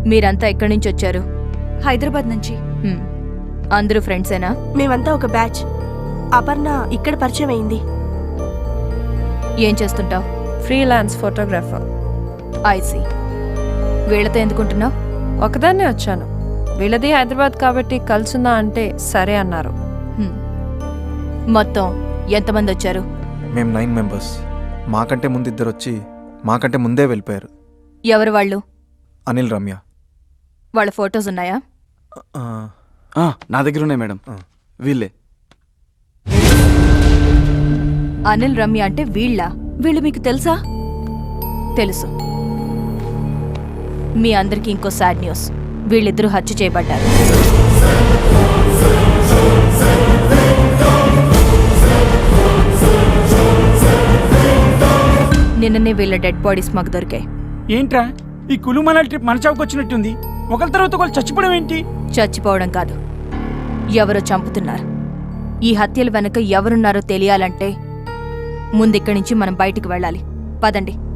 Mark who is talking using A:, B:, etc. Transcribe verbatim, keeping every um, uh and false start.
A: మీరంతా ఎక్కడి నుంచి వచ్చారు?
B: హైదరాబాద్ నుంచి.
A: హ్మ్. అందరూ ఫ్రెండ్సేనా?
B: మేమంతా ఒక బ్యాచ్. అపర్ణ ఇక్కడ పరిచయం అయింది.
A: ఏం చేస్తుంటావు?
C: Freelance photographer.
A: ఐసీ. వీళ్ళతో ఎందుకుంటున్నావు?
C: ఒకదాన్నే వచ్చాను. వీళ్ళది హైదరాబాద్ కాబట్టి కలుసుందా అంటే సరే అన్నారు.
A: హ్మ్. మొత్తం ఎంతమంది వచ్చారు?
D: మేము నైన్ మెంబర్స్. మాకంటే ముందు ఇద్దరు వచ్చి మాకంటే ముందే వెళ్ళిపోయారు.
A: ఎవరు వాళ్ళు?
D: అనిల్, రమ్య.
A: వాళ్ళ ఫొటోస్ ఉన్నాయా?
D: ఆ,
E: ఆ, నా దగ్గర ఉన్నాయి మేడం.
D: ఆ.
E: వీళ్ళే.
A: అనిల్, రమ్య అంటే వీళ్ళ? వీళ్ళు మీకు తెలుసా? తెలుసు. మీ అందరికీ ఇంకో సాడ్ న్యూస్. వీళ్ళిద్దరూ హత్య చేయబడ్డారు. నిన్ననే వీళ్ళ డెడ్ బాడీస్ మాకు దొరికాయి.
F: ఏంట్రా ఈ కులు మనాలి ట్రిప్ మన చావుకు వచ్చినట్టుంది. ఒకరి తర్వాత ఒకరు చచ్చిపోవడం ఏంటి?
A: చచ్చిపోవడం కాదు, ఎవరో చంపుతున్నారు. ఈ హత్యల వెనక ఎవరున్నారో తెలియాలంటే ముందిక్కడి నుంచి మనం బయటికి వెళ్ళాలి. పదండి.